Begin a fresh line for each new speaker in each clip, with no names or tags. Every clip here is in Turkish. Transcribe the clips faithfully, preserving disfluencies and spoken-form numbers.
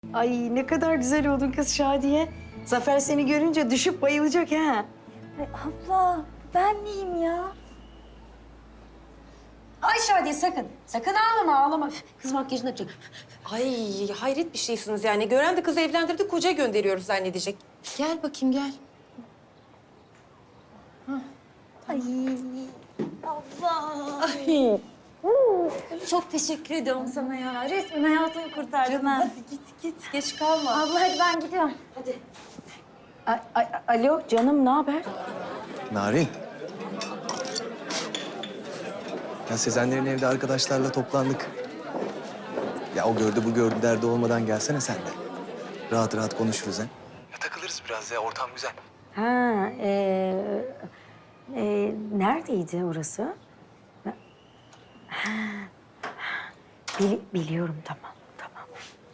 Ay ne kadar güzel oldun kız Şadiye. Zafer seni görünce düşüp bayılacak ha.
Ay abla ben miyim ya?
Ay Şadiye sakın. Sakın ağlama ağlama. Kız makyajını yapacak.
Ay hayret bir şeysiniz yani. Gören de kızı evlendirdi, koca gönderiyoruz zannedecek. Gel bakayım gel.
Ay abla. Çok teşekkür ediyorum sana ya. Resmen hayatımı kurtardın ha.
Hadi git git, geç kalma.
Abla hadi ben gidiyorum.
Hadi.
Ay, ay, alo canım ne haber?
Narin. Ya Sezenlerin evde arkadaşlarla toplandık. Ya o gördü bu gördü derdi olmadan gelsene sen de. Rahat rahat konuşuruz ha. Ya takılırız biraz ya, ortam güzel.
Ha, e, e, neredeydi orası? Ha, bili- biliyorum tamam, tamam.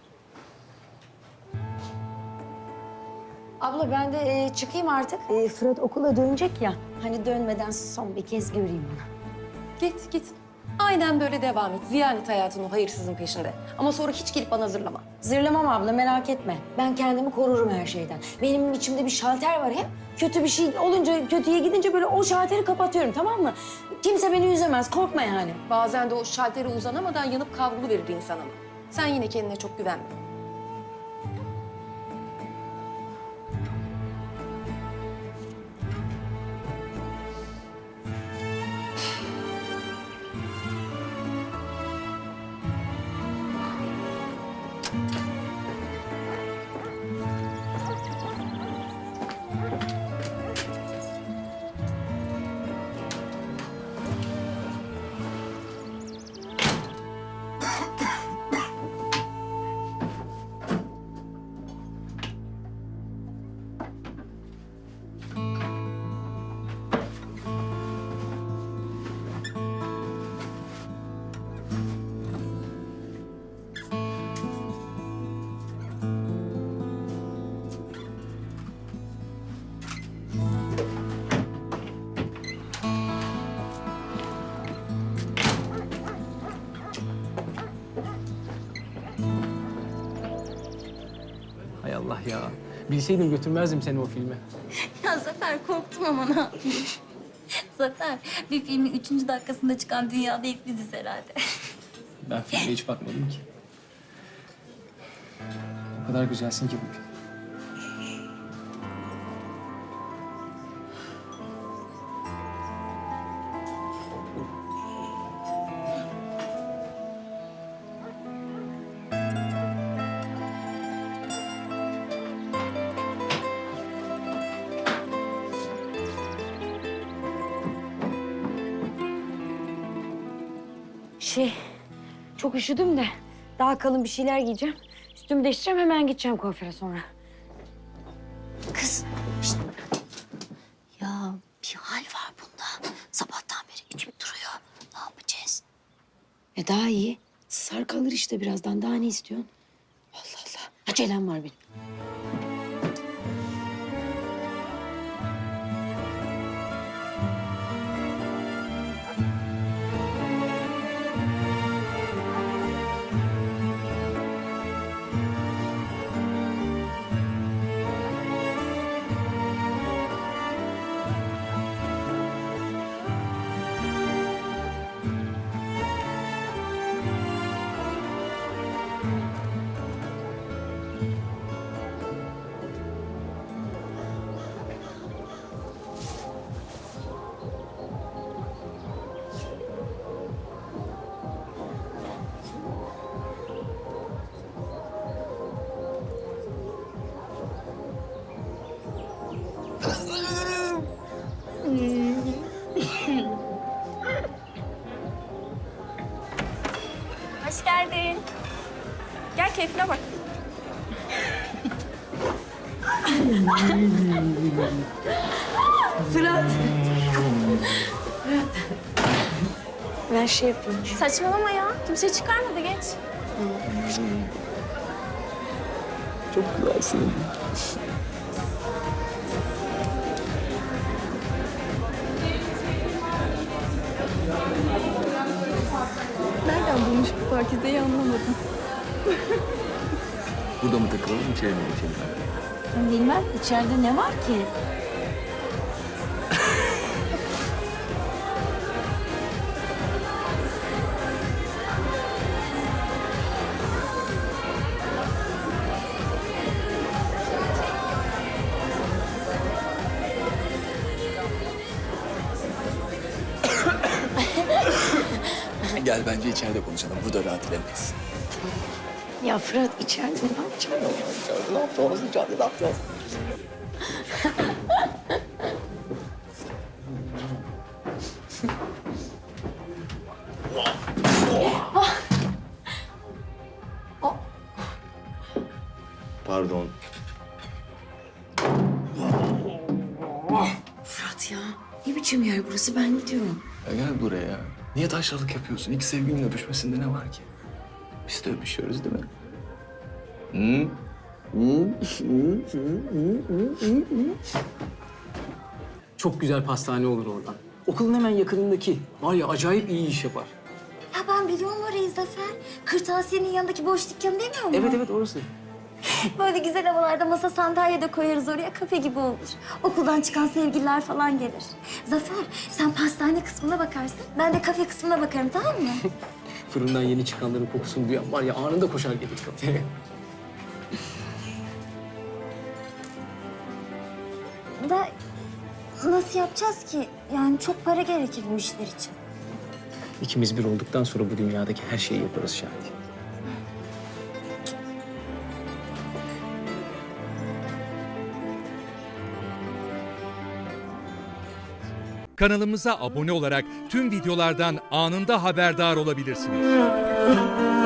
Abla ben de e, çıkayım artık. E, Fırat okula dönecek ya. Hani dönmeden son bir kez göreyim onu.
Git git. Aynen böyle devam et. Ziyan et hayatını o hayırsızın peşinde. Ama sonra hiç gelip bana zırlama.
Zırlamam abla merak etme. Ben kendimi korurum her şeyden. Benim içimde bir şalter var hep. Kötü bir şey olunca, kötüye gidince böyle o şalteri kapatıyorum tamam mı? Kimse beni üzemez, korkma yani.
Bazen de o şaltere uzanamadan yanıp kavrulu verir insan ama. Sen yine kendine çok güvenme.
Hay Allah ya. Bilseydim götürmezdim seni o filme.
Ya Zafer korktum ama ne yapayım? Zafer bir filmin üçüncü dakikasında çıkan dünyada ilk biziz herhalde.
Ben filme hiç bakmadım ki. O kadar güzelsin ki bugün.
Şey, çok üşüdüm de daha kalın bir şeyler giyeceğim. Üstümü değiştireceğim hemen gideceğim kuaföre sonra.
Kız. Ya bir hal var bunda. Sabahtan beri içip duruyor. Ne yapacağız?
E daha iyi. Sar kalır işte birazdan. Daha ne istiyorsun? Allah Allah. Acelem var benim.
Hoş geldin. Gel keyfine bak.
Fırat. Ben şey yapayım.
Saçmalama ya. Kimse çıkarmadı geç.
Çok güzelsin.
Nereden bulmuş bu Pakize'yi anlamadım.
Burada mı takılalım, içeri mi geçelim?
Ben bilmem içeride ne var ki?
Gel bence içeride konuşalım. Burada rahat edemeyiz.
Ya Fırat içeride ne yapacağım?
İçeride ne yapacağız? İçeride ne yapacağız? Pardon.
Fırat ya ne biçim yer burası, ben gidiyorum.
Ya gel buraya. Niye taşralık yapıyorsun? İlk sevgilinin öpüşmesinde ne var ki? Biz de öpüşüyoruz değil mi? Hı?
Çok güzel pastane olur oradan. Okulun hemen yakınındaki. Var ya acayip iyi iş yapar.
Ya ben biliyorum orayı Zafer. Kırtasiyenin yanındaki boş dükkanı demiyor mu?
Evet evet orası.
Böyle güzel havalarda masa sandalye de koyarız oraya, kafe gibi olur. Okuldan çıkan sevgililer falan gelir. Zafer, sen pastane kısmına bakarsın. Ben de kafe kısmına bakarım, tamam mı?
Fırından yeni çıkanların kokusunu duyan var ya anında koşar gelir kafeye.
Da nasıl yapacağız ki? Yani çok para gerekir bu işler için.
İkimiz bir olduktan sonra bu dünyadaki her şeyi yaparız Şahit.
Kanalımıza abone olarak tüm videolardan anında haberdar olabilirsiniz.